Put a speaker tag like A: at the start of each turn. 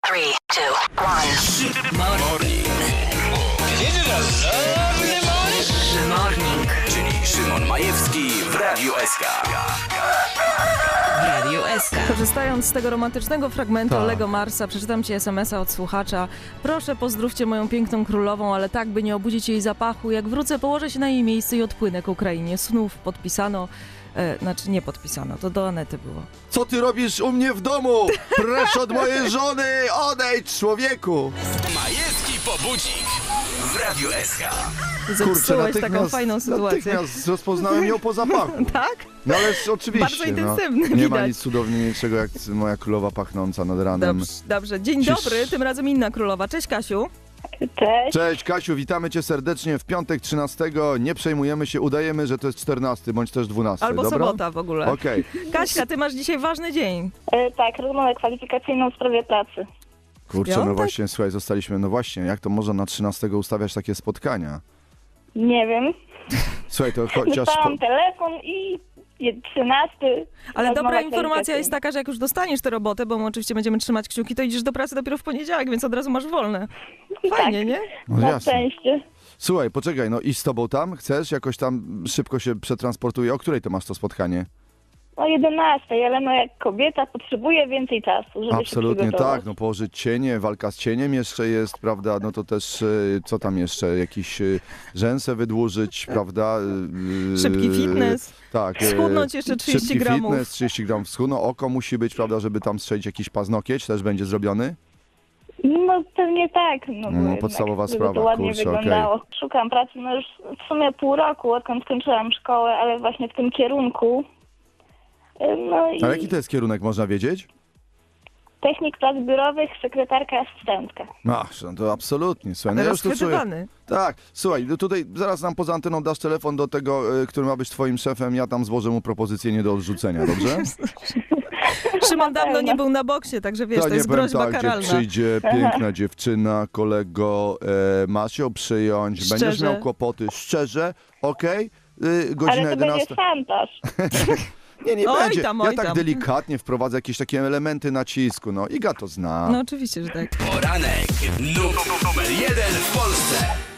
A: 3, 2, 1.
B: Morning.
A: Morning.
B: Czyli Szymon Majewski w Radiu SK.
C: Radio SK.
D: Korzystając z tego romantycznego fragmentu
E: Tak.
D: Lego Marsa, przeczytam ci SMS-a od słuchacza. Proszę, pozdrówcie moją piękną królową, ale tak, by nie obudzić jej zapachu. Jak wrócę, położę się na jej miejsce i odpłynę ku krainie snów. Podpisano, znaczy nie podpisano, to do Anety było.
E: Co ty robisz u mnie w domu? Precz od mojej żony! Odejdź, człowieku!
B: Majewski pobudzik w Radiu SK.
D: Zepsułeś taką fajną sytuację.
E: Natychmiast rozpoznałem ją po zapachu.
D: Tak?
E: No ależ oczywiście.
D: Bardzo intensywny,
E: Nie ma
D: widać.
E: nic cudowniejszego jak moja królowa pachnąca nad ranem.
D: Dobrze, dobrze. Dzień dobry, tym razem inna królowa. Cześć, Kasiu.
F: Cześć.
E: Cześć Kasiu, witamy cię serdecznie w piątek 13. Nie przejmujemy się, udajemy, że to jest 14 bądź też 12.
D: Albo
E: dobra?
D: sobota w ogóle.
E: Okej.
D: Kaśka, ty masz dzisiaj ważny dzień.
F: Tak, rozmowę kwalifikacyjną w sprawie pracy.
E: Kurczę, no
D: Piątek?
E: właśnie, słuchaj, zostaliśmy, no właśnie, jak to można na 13 ustawiać takie spotkania?
F: Nie wiem.
E: Słuchaj, to chociaż...
F: Dostałam telefon i 13.
D: Ale
F: rozmowa
D: dobra informacja
F: kwalifikacyjna.
D: jest taka, że jak już dostaniesz tę robotę, bo my oczywiście będziemy trzymać kciuki, to idziesz do pracy dopiero w poniedziałek, więc od razu masz wolne. Fajnie,
F: Tak.
D: nie?
E: No
F: Na
E: jasne.
F: szczęście.
E: Słuchaj, poczekaj, no i z tobą tam? Chcesz? Jakoś tam szybko się przetransportuje? O której to masz to spotkanie?
F: O 11, ale no jak kobieta potrzebuje więcej czasu, żeby
E: Absolutnie
F: się przygotować.
E: tak, no położyć cienie, walka z cieniem jeszcze jest, prawda, no to też, co tam jeszcze, jakiś rzęsę wydłużyć, prawda?
D: Szybki fitness.
E: Tak.
D: Schudnąć jeszcze 30
E: szybki
D: gramów.
E: fitness, 30 gramów schudną, oko musi być, prawda, żeby tam strzelić jakiś paznokieć, też będzie zrobiony?
F: No pewnie tak. No, bo
E: No,
F: jednak,
E: podstawowa
F: żeby
E: sprawa,
F: to ładnie
E: kurczę,
F: wyglądało. Szukam pracy no już w sumie pół roku, odkąd skończyłam szkołę, ale właśnie w tym kierunku. No i
E: A jaki to jest kierunek, można wiedzieć?
F: technik prac biurowych, sekretarka, asystentka.
E: Ach, no to absolutnie, słuchaj, no ja już tu czuję.
D: Rozchwytywany.
E: Tak, słuchaj, no tutaj zaraz nam poza anteną dasz telefon do tego, który ma być twoim szefem, ja tam złożę mu propozycję nie do odrzucenia, dobrze?
D: Szymon dawno nie był na boksie, także wiesz, to
E: nie
D: jest
E: powiem
D: groźba
E: tak,
D: karalna.
E: gdzie przyjdzie piękna dziewczyna, kolego, masz ją przyjąć, będziesz
D: Szczerze.
E: miał kłopoty, szczerze, okej? Godzina
F: Ale to
E: 11.
F: będzie szantaż.
E: Nie
D: Oj
E: będzie.
D: tam,
E: Ja
D: oj
E: tak
D: tam.
E: delikatnie wprowadzę jakieś takie elementy nacisku, no. Iga to zna.
D: No oczywiście, że tak.
B: Poranek numer 1 w Polsce.